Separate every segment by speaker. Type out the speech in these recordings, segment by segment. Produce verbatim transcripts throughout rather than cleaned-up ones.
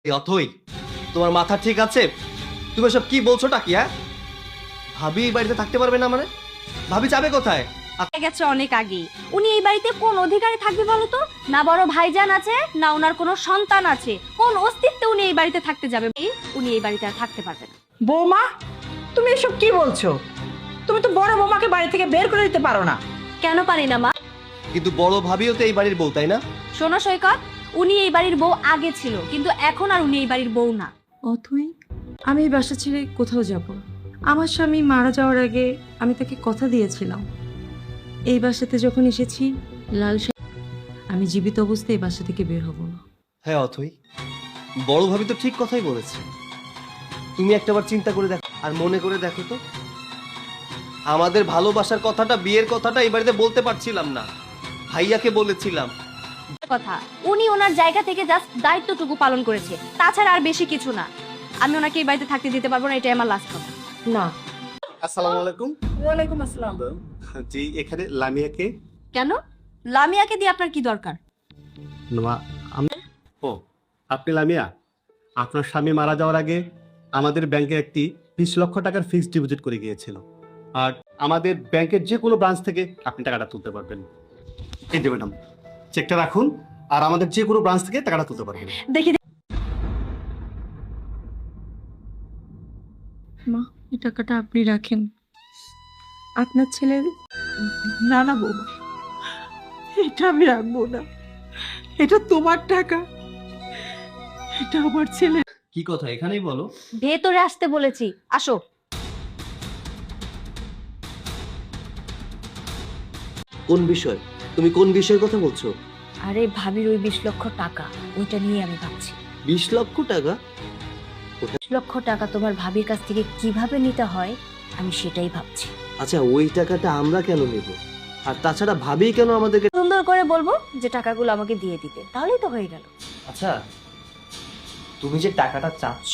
Speaker 1: এই অথই, তোমার মাথা ঠিক আছে? তুমি সব কি বলছোটা কি? হ্যাঁ, ভাবি এই বাড়িতে থাকতে পারবে না মানে? ভাবি যাবে কোথায়?
Speaker 2: হয়ে গেছে অনেক আগেই। উনি এই বাড়িতে কোন অধিকারে থাকবে বলো তো? না বড় ভাইজান আছে, না ওনার কোনো সন্তান আছে। কোন অস্তিত্বে উনি এই বাড়িতে থাকতে যাবে? উনি এই বাড়িতে আর থাকতে পারবে না।
Speaker 3: বৌমা, তুমি এসব কি বলছো? তুমি তো বড় বৌমাকে বাড়ি থেকে বের করে দিতে পারো না।
Speaker 2: কেন পারি না মা?
Speaker 1: কিন্তু বড় ভাবিও তো এই বাড়ির বউ, তাই না?
Speaker 2: শোনো সৈকত, উনি এই বাড়ির বউ আগে ছিল, কিন্তু এখন আর উনি এই বাড়ির বউ না।
Speaker 4: অথই, আমি এই বাসা ছেড়ে কোথাও যাব না। আমার স্বামী মারা যাওয়ার আগে আমি তাকে কথা দিয়েছিলাম, এই বাসাতে যখন এসেছি লাল শাহ, আমি জীবিত অবস্থায় এই বাসা থেকে বের হব না।
Speaker 1: হ্যাঁ অথই, বড় ভাবি তো ঠিক কথাই বলেছে। তুমি একটাবার চিন্তা করে দেখো আর মনে করে দেখো তো, আমাদের ভালোবাসার কথাটা, বিয়ের কথাটা এই বাড়িতে বলতে পারছিলাম না, ভাইয়াকে বলেছিলাম।
Speaker 2: কথা, উনি ওনার জায়গা থেকে জাস্ট দায়িত্বটুকু পালন করেছে, তাছাড়া আর বেশি কিছু না। আমি ওনাকে এই বাড়িতে থাকতে দিতে পারবো না, এটাই আমার লাস্ট কথা।
Speaker 4: না।
Speaker 5: আসসালামু আলাইকুম।
Speaker 3: ওয়ালাইকুম আসসালাম।
Speaker 5: জি, এখানে লামিয়াকে।
Speaker 2: কেন? লামিয়াকে দিয়ে আপনার কি দরকার?
Speaker 5: নোয়া, আমি ও আপনি লামিয়া, আপনার স্বামী মারা যাওয়ার আগে আমাদের ব্যাংকে একটি বিশ লক্ষ টাকার ফিক্সড ডিপোজিট করে গিয়েছিল, আর আমাদের ব্যাংকের যে কোনো ব্রাঞ্চ থেকে আপনি টাকাটা তুলতে পারবেন। এই যে ম্যাডাম, চেকটা রাখুন, আর আমাদের যে কোনো ব্রাঞ্চ থেকে টাকাটা তুলতে পারবেন।
Speaker 2: দেখি
Speaker 4: মা, এই টাকাটা আপনি রাখেন, আপনার ছেলের।
Speaker 3: না না বৌমা, এটা আমি রাখবো না। এটা তোমার টাকা, এটা আমার ছেলে।
Speaker 1: কি কথা এখানেই বলো।
Speaker 2: ভেতরে আসতে বলেছি, আসো।
Speaker 1: কোন বিষয়? তুমি কোন বিষয়ের কথা বলছো?
Speaker 2: আরে ভাবির ওই বিশ লক্ষ টাকা, ওইটা নিয়ে আমি ভাবছি।
Speaker 1: বিশ লক্ষ টাকা?
Speaker 2: বিশ লক্ষ টাকা তোমার ভাবির কাছ থেকে কিভাবে নিতে হয় আমি সেটাই ভাবছি।
Speaker 1: আচ্ছা, ওই টাকাটা আমরা কেন নেব? আর তাছাড়া ভাবি কেন আমাদেরকে?
Speaker 2: সুন্দর করে বলবো যে টাকাগুলো আমাকে দিয়ে দিতে, তাহলেই তো হয়ে গেল।
Speaker 1: আচ্ছা, তুমি যে টাকাটা চাচ্ছ,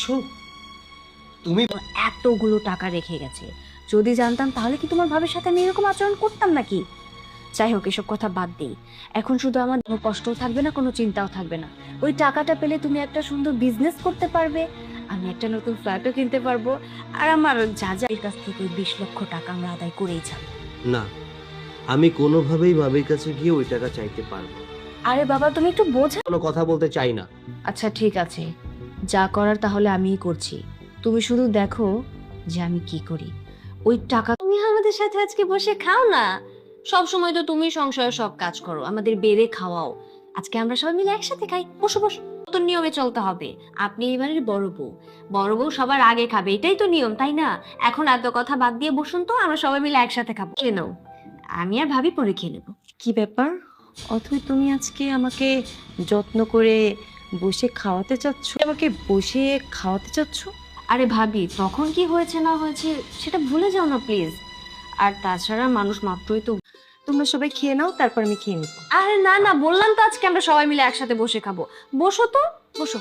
Speaker 1: তুমি
Speaker 2: এতগুলো টাকা রেখে গেছে, যদি জানতাম তাহলে কি তোমার ভাবির সাথে আমি এরকম আচরণ করতাম নাকি? যাই হোক, এসব কথা বাদ দিই। এখন শুধু আমার কোনো কষ্টও থাকবে না, কোনো চিন্তাও থাকবে না। ওই টাকাটা পেলে তুমি একটা সুন্দর বিজনেস করতে পারবে, আমি একটা নতুন ফ্ল্যাটও কিনতে পারবো, আর আমার যা যা এর কাছ থেকে ওই বিশ লক্ষ টাকা আমরা আদায় করেই যাবো।
Speaker 1: না, আমি কোনোভাবেই ভাবির কাছে গিয়ে ওই টাকা চাইতে পারবো না।
Speaker 2: আরে বাবা, তুমি একটু বোঝা।
Speaker 1: কোনো কথা বলতে চাই না।
Speaker 2: আচ্ছা ঠিক আছে, যা করার তাহলে আমিই করছি, তুমি শুধু দেখো যে আমি কি করি। ওই টাকা তুমি আমাদের সাথে আজকে বসে খাও না। সব সময় তো তুমি সংসারে সব কাজ করো, আমাদের বেড়ে খাওয়াও। আজকে আমরা সবাই মিলে একসাথে খাই, বসো বসো। তো নিয়মে চলতে হবে, আপনি এবারের বড় বউ, বড় বউ সবার আগে খাবে, এটাই তো নিয়ম, তাই না? এখন এত কথা বাদ দিয়ে বসুন তো, আমরা সবাই মিলে একসাথে খাবো। খেয়ে নাও, আমি আর ভাবি পরে খেয়ে নেবো।
Speaker 4: কি ব্যাপার অথই, তুমি আজকে আমাকে যত্ন করে বসে খাওয়াতে চাচ্ছ? আমাকে বসে খাওয়াতে চাচ্ছ?
Speaker 2: আরে ভাবি, তখন কি হয়েছে না হয়েছে সেটা ভুলে যাও না প্লিজ। আর তাছাড়া মানুষ মাত্রই তো।
Speaker 4: তোমরা সবাই খেয়ে নাও, তারপর আমি খেয়ে নেবো।
Speaker 2: আরে না না, বললাম তো আজকে আমরা সবাই মিলে একসাথে বসে খাবো। বসো তো, বসো।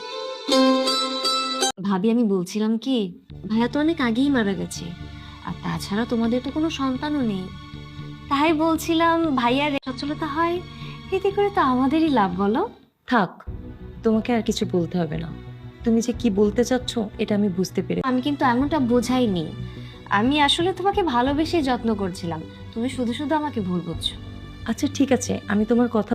Speaker 2: ভাবি, আমি বলছিলাম কি, ভাইয়া তো অনেক আগেই মারা গেছে, আর তাছাড়া তোমাদের তো কোনো সন্তানও নেই। তাই বলছিলাম ভাইয়ার সচ্ছলতা হয়, এতে করে তো আমাদেরই লাভ, বলো?
Speaker 4: থাক, তোমাকে আর কিছু বলতে হবে না। তুমি যে কি বলতে চাচ্ছ এটা আমি বুঝতে পেরে।
Speaker 2: আমি কিন্তু এমনটা বোঝাইনি, আমি আসলে তোমাকে ভালোবেসে যত্ন করছিলাম, তুমি শুধু শুধু আমাকে ভুল বুঝছো।
Speaker 4: আচ্ছা ঠিক আছে, আমি তোমার কথা